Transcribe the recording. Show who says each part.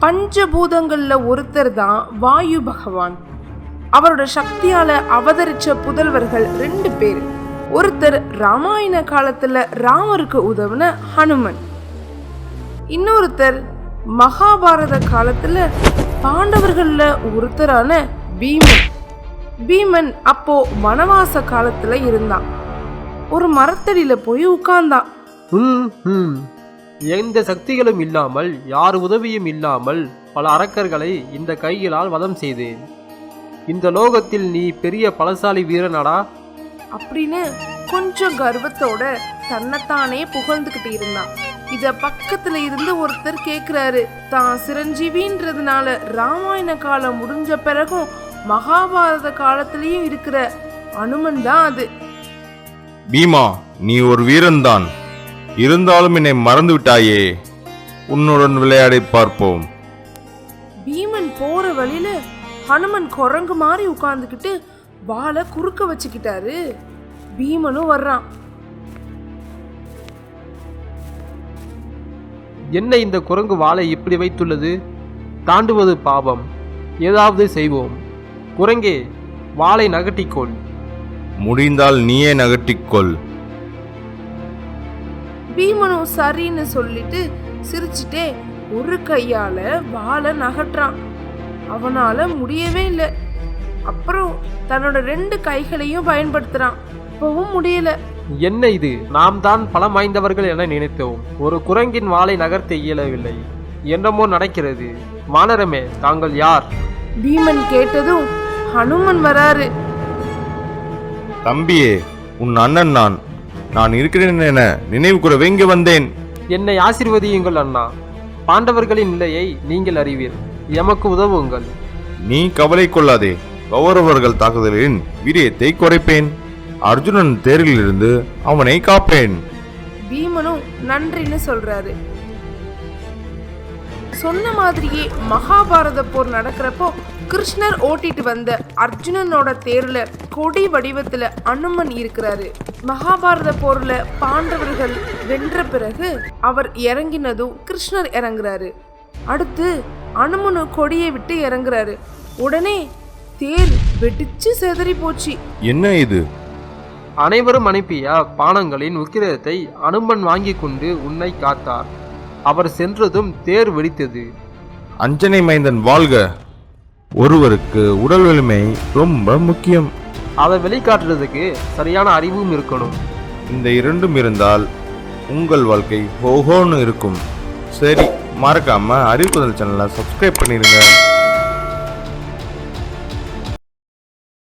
Speaker 1: பஞ்சபூதங்கள்ல ஒருத்தர் தான் வாயு பகவான். அவரோட சக்தியால அவதரிச்ச புதல்வர்கள் 2 பேர். ஒருத்தர் ராமாயண காலத்துல ராமருக்கு உதவுன ஹனுமன், இன்னொருத்தர் மகாபாரத காலத்துல பாண்டவர்கள்ல ஒருத்தரான பீமன். பீமன் அப்போ வனவாச காலத்துல இருந்தான். ஒரு மரத்தடியில போய் உட்கார்ந்தான்.
Speaker 2: எந்த சக்திகளும் இல்லாமல், யார் உதவியும் இல்லாமல் பல அரக்கர்களை இந்த கைகளால் வதம் செய்தேன். இந்த லோகத்தில் நீ பெரிய பலசாலி வீரனடா
Speaker 1: அப்படின்னு கொஞ்சம் கர்வத்தோட தன்னைத்தானே புகழ்ந்துகிட்டு இருந்தான். இத பக்கத்துல இருந்து ஒருத்தர் கேக்குறாரு. தான் சிரஞ்சீவின்றதுனால ராமாயண காலம் முடிஞ்ச பிறகும் மகாபாரத காலத்திலயும் இருக்கிற அனுமன் தான் அது.
Speaker 3: பீமா, நீ ஒரு வீரன் தான், இருந்தாலும் என்னை மறந்து விட்டாயே. உன்னுடன் விளையாடி பார்ப்போம்.
Speaker 1: பீமன் போற வழியில ஹனுமன் குரங்கு மாதிரி உட்கார்ந்துக்கிட்டு வாளை குறுக்க வச்சுக்கிட்டாரு. பீமனும் வர்றான்.
Speaker 2: என்ன இந்த குரங்கு வாளை இப்படி வைத்துள்ளது? தாண்டுவது பாவம், ஏதாவது செய்வோம். குரங்கே, வாளை நகட்டிக்கொள்.
Speaker 3: முடிந்தால் நீயே நகட்டிக்கொள்.
Speaker 1: பீமனும் சரின்னு சொல்லிட்டு சிரிச்சுட்டே ஒரு கையால வாளை நகட்டுறான். அவனால முடியவே இல்லை. அப்புறம் தன்னோட 2 கைகளையும் பயன்படுத்துறான். இப்பவும் முடியல.
Speaker 2: என்ன இது? நாம் தான் பலம் வாய்ந்தவர்கள் என நினைத்தோம். ஒரு குரங்கின் வாளை நகர்த்த இயலவில்லை. என்னமோ நடக்கிறது. வானரமே, தாங்கள் யார்?
Speaker 1: பீமன் கேட்டதும் ஹனுமன் வராரு.
Speaker 3: தம்பியே, உன் அண்ணன் நான் இருக்கிறேன் என நினைவு கூறவே இங்கே வந்தேன்.
Speaker 2: என்னை ஆசீர்வதியுங்கள் அண்ணா. பாண்டவர்களின் நிலையை நீங்கள் அறிவீர். எமக்கு உதவுங்கள்.
Speaker 3: நீ கவலை கொள்ளாதே. கௌரவர்கள் தாக்குதலின் வீரியத்தை குறைப்பேன். அர்ஜுனன் தேரில் இருந்து அவனை காப்பேன்.
Speaker 1: பீமனும் நன்றின்னு சொல்றாரு. சொன்ன மாதிரியே மகாபாரத போர் நடக்கிறப்போ கிருஷ்ணர் ஓட்டிட்டு வந்த அர்ஜுனனோட தேர்ல கொடி வடிவத்துல அனுமன் இருக்கிறாரு. மகாபாரத போர்ல பாண்டவர்கள் வென்ற பிறகு அவர் இறங்கினதும் கிருஷ்ணர் இறங்குறாரு. அடுத்து அனுமனு கொடியை விட்டு இறங்குறாரு. உடனே தேர் வெடிச்சு செதறி போச்சு.
Speaker 3: என்ன இது?
Speaker 2: அனைவரும் அனுப்பிய பானங்களின் உக்கிரத்தை அனுமன் வாங்கி கொண்டு உன்னை காத்தார். அவர் சென்றதும் தேர் வெடித்தது.
Speaker 3: அஞ்சனை மைந்தன் வாழ்க. ஒருவருக்கு உடல் வலிமை ரொம்ப முக்கியம்.
Speaker 2: அதை வெளிக்காட்டுறதுக்கு சரியான அறிவும் இருக்கணும்.
Speaker 3: இந்த 2ம் இருந்தால் உங்கள் வாழ்க்கை ஹோஹோன்னு இருக்கும். சரி, மறக்காம அறிவுக்குதல் சேனலை சப்ஸ்கிரைப் பண்ணிடுங்க.